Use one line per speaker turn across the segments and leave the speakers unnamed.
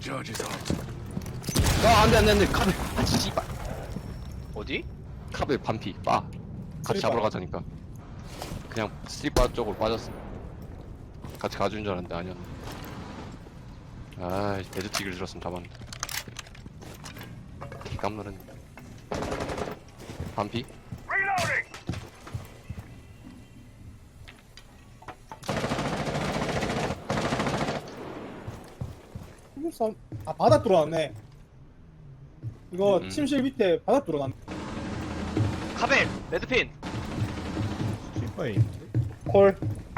아 안돼 카베 아 씨발
어디?
카베 반피 빠 같이 잡으러 가자니까 그냥 스리바 쪽으로 빠졌어 같이 가준 줄 알았는데 아니었네 아 데드틱을 들었으면 잡았는데 깜놀했네 반피?
아 바닥 들어왔네. 이거
음.
침실 밑에 바닥 들어왔네.
카벨! 레드핀!
스리퍼에 있는데?
콜.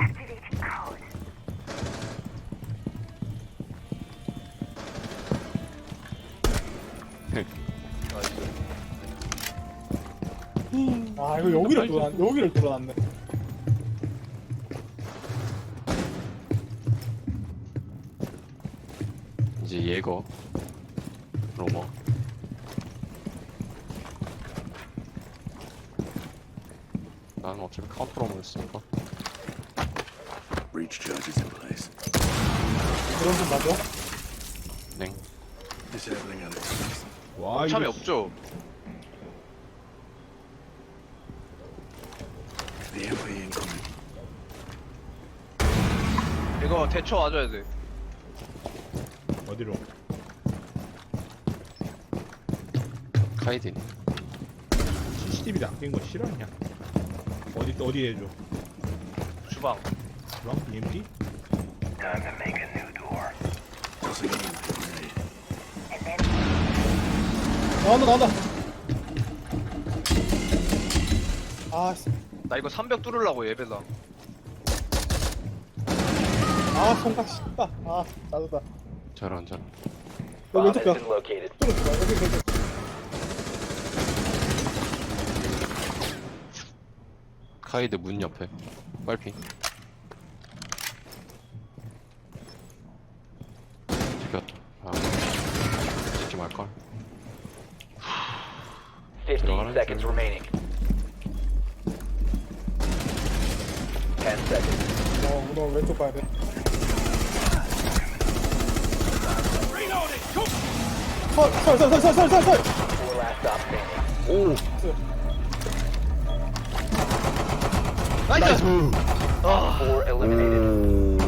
아 이거 여기를 들어놨네.
이제 예거 로머 나는 어차피 카운터 로머를 쓰니까
Breach charges in place.
그런 좀 맞아?
냉
Disabling electronics.
와
참이
이거
없죠?
The MP incoming.
이거 대처 와줘야 돼.
어디로?
카이딘
CCTV 낚인 거 싫어하냐? 어디 해줘?
주방.
그럼 EMP?
Tossing in grenade.
나온다. 아,
나 이거 300 뚫으려고 예배다.
손가락 씹다. 아, 짜증나.
저런
너 왼쪽 벽. 뚫어줘 봐. 여기.
카이드 문 옆에 빨핑 찍혔다 아 찍지 말걸
15 seconds remaining. 10 seconds.
너 왼쪽 봐야 돼. 설.
4 last stop standing.
나이스!
4 eliminated.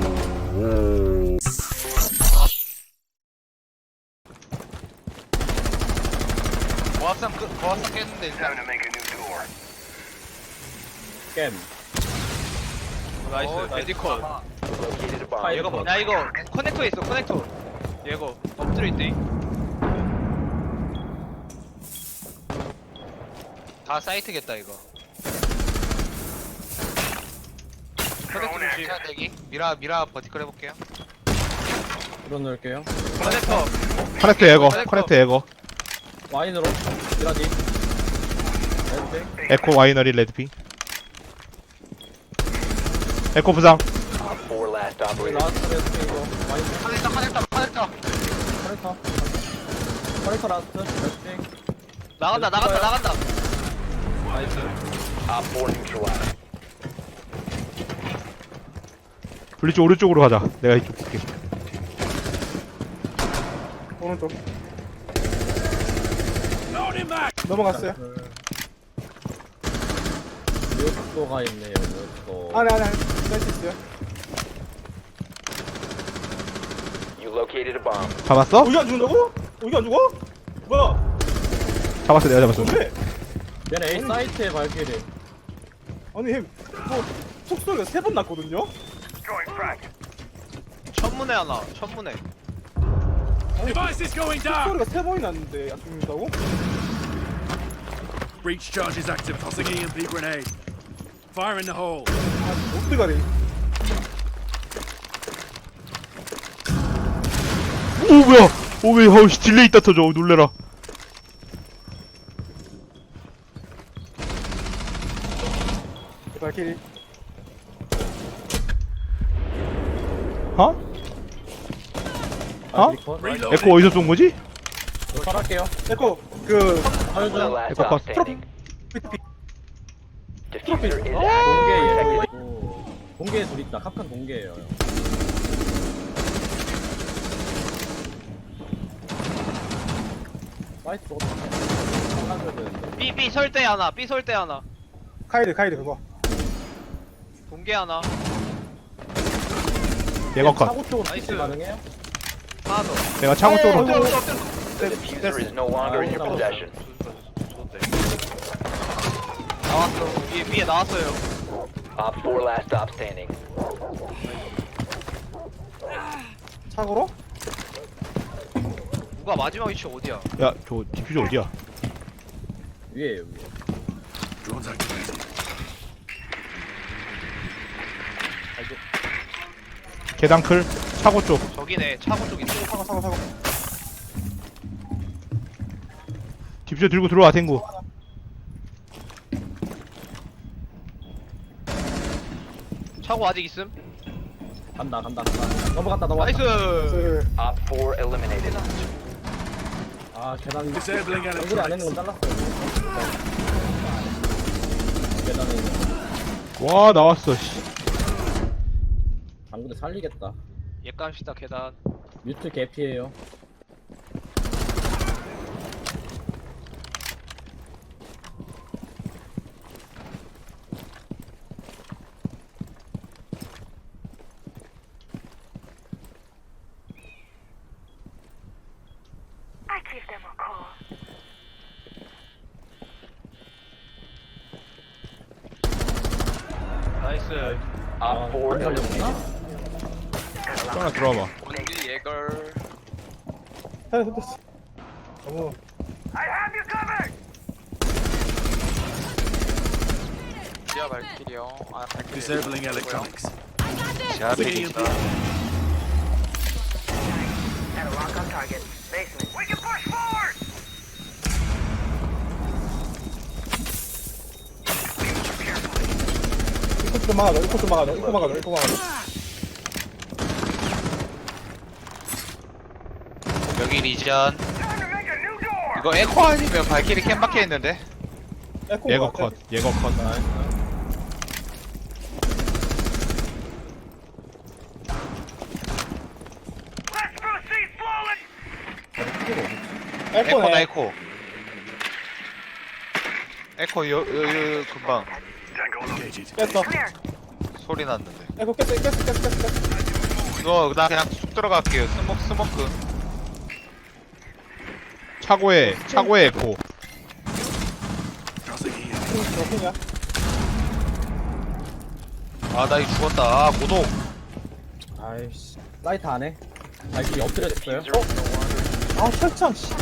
고압상 깼는데 일단.
겜
나이스. 메디컬.
Located a bomb.
얘가 뭐? 야 이거 커넥터에 있어 커넥터. 얘거 엎드려 있대. 다 사이트겠다 이거. 커넥터 조심. 대기. 미라 버티컬 해볼게요.
드론 넣을게요.
커넥터.
커넥터 예거 커넥터 예거
와인으로 미라지. 레드핑.
에코 와이너리 레드핑 에코 부상
4 last operator.
라스트 레드핑이고 와인.
커넥터.
커넥터 라스트 레드핑.
나간다.
나이스.
Op 4 neutralized.
블리츠 오른쪽으로 가자 내가 이쪽 볼게
오른쪽. 넘어갔어요.
뮤토가 있네요. 뮤토.
안에. 뺄수 있어요.
You located a bomb.
잡았어?
여기 안 죽는다고? 여기 안 죽어? 뭐야?
잡았어 내가 잡았어
뭔데?
얘네 A 사이트에 발길이.
아니 뭐 속소리가 3번 났거든요?
천문에 하나. 천문에.
속소리가 3번이 났는데 안 죽는다고?
Breach charges active. Tossing EMP grenade. Fire in the hole.
아, 어떡하래.
오 뭐야 오왜 하우씨 딜레이 있다 터져 놀래라
발키리.
어? 어?
컷.
에코 어디서 쏜 거지?
저 살할게요.
에코
4 last
Echo
stop
cost.
standing. Diffuser is
공개
active.
얘 있고. 공개에 둘 있다. 캅칸 공개예요. 사이트 잘라줘야 되는데.
B 설대 하나, B 설대 하나,
카이드 그거.
동계 하나,
얘가 컷.
차고 쪽으로
나이스.
스위치 가능해요?
하나 더.
내가 차고 쪽으로.
The diffuser is no longer in your possession.
나왔어. 위에 나왔어요.
Op 4 last stop standing.
차고로?
누가 마지막 위치 어디야?
야, 저 디퓨저 어디야?
위에요 위에.
Drones activated.
계단 클. 차고 쪽.
저기네. 차고 쪽 있어.
차고.
디퓨저 들고 들어와 탱구.
차고 아직 있음.
간다. 넘어갔다.
나이스.
Op 4 eliminated.
아 계단.
Disabling
연결이 안 되는 건 잘랐어요. 계단에 있는.
와, 나왔어. 씨.
당근에 살리겠다.
예감시다 계단.
뮤트 개피에요.
나이스.
Op 4
안 살렸구나?
eliminated.
하나 들어와봐.
원기 예걸.
됐어. 너무.
지하 발길이요. 아 발길.
Disabling electronics.
제압
Sticking
이
in the
이코 좀 막아줘.
여기 리전. 이거 에코 아니면 발길이 캠 박혀 있는데.
얘가 컷. 얘가 컷.
에코나
에코네.
에코. 에코 요 금방
located.
깼어.
소리 났는데.
에코 깼어.
이거 나 그냥 쑥 들어갈게요. 스모크.
차고에 에코.
Tossing in.
핑이야.
아 나 이거 죽었다. 아 고독.
아이씨. 사이트 안에. 발길이 엎드려졌어요.
Diffuser is no longer.
아 철창 씨.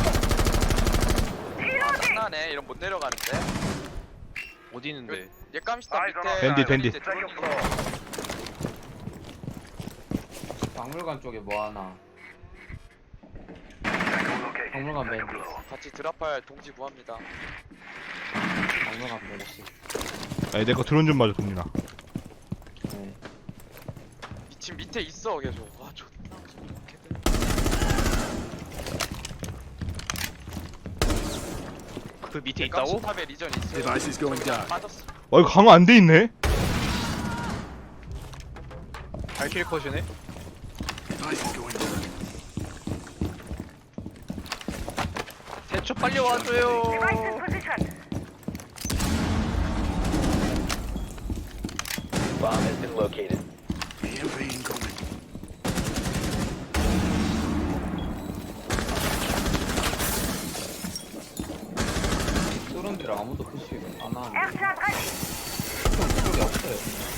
장난해 이런 못 내려가는데
어디 있는데?
옛감시다 밑에
밴디.
박물관 쪽에 뭐 하나? 박물관 밴드.
같이 드랍할 동지 구합니다.
박물관 밴드.
야, 내거 드론 좀 맞아, 동민아.
네.
지금 밑에 있어 계속. 와 존나 좋겠다.
그 밑에 있다고?
탑에 리전 있어.
Device is going dark.
빠졌어.
이거 강화 안 돼 있네.
발길 컷이네.
Device is going dark.
대초 빨리 와줘요.
Bomb has been located.
EMP incoming.
쏘는 데를 아무도 푸시 안 하는데. 그쪽에 없어요.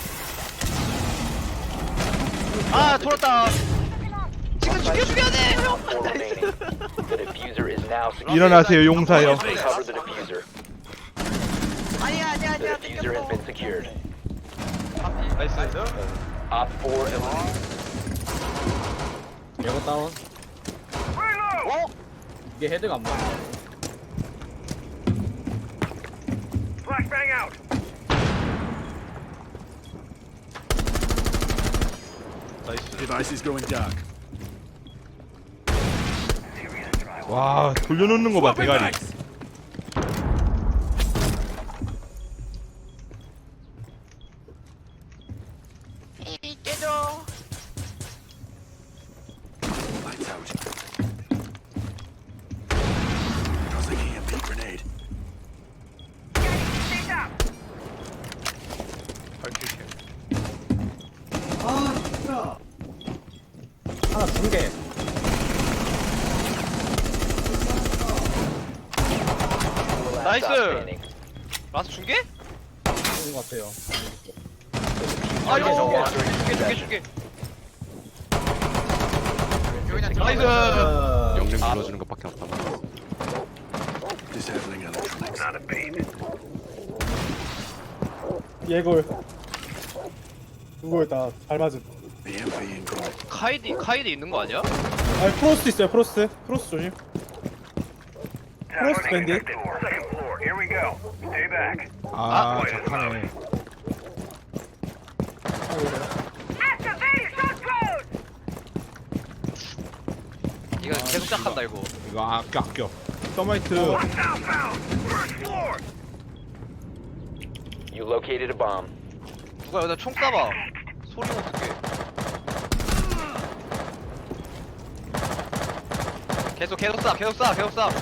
아 돌았다. 지금 죽여야 돼.
Op 4 remaining. The diffuser is now secured.
일어나세요, 용사요.
Cover the diffuser.
아니야.
The diffuser has been secured.
나이스.
Op 4 eliminated.
얘거 다운. 이게 헤드가 안 맞아.
Device is going dark.
와, 돌려놓는 거 봐, 대가리.
Lights out. Tossing
나이스.
standing.
라스 중계?
좋은 것 같아요.
아이고
Diffuser
중계.
여기는
나이스.
영능 눌러주는 것밖에 없다.
Disabling electronics.
예골. 누구였다. 잘 맞은.
BMP in goal.
카이드 있는 거 아니야?
아, 프로스트 있어요. 프로스트. 프로스트 조심. 프로스트 밴드.
아 착하네.
이거 계속 시작한다 이거.
이거 아껴. 서마이트.
You located a bomb.
누가 여기다 총 쏴봐. 소리 못 듣게. 계속 쏴.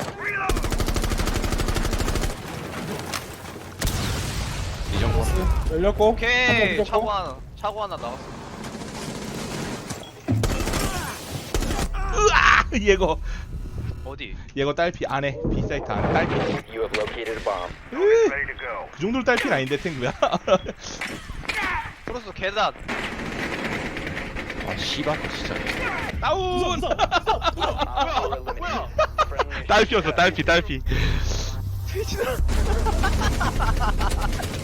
열렸고.
오케이.
한번
차고 하나 나왔어.
얘거
어디?
안에 B 사이트 안에 딸피.
You have located a bomb.
그 정도로 딸피는 아닌데 탱구야.
프로스 계단.
아 씨발 진짜.
다운.
Op 4 eliminated. Friendly
딸피였어 딸피.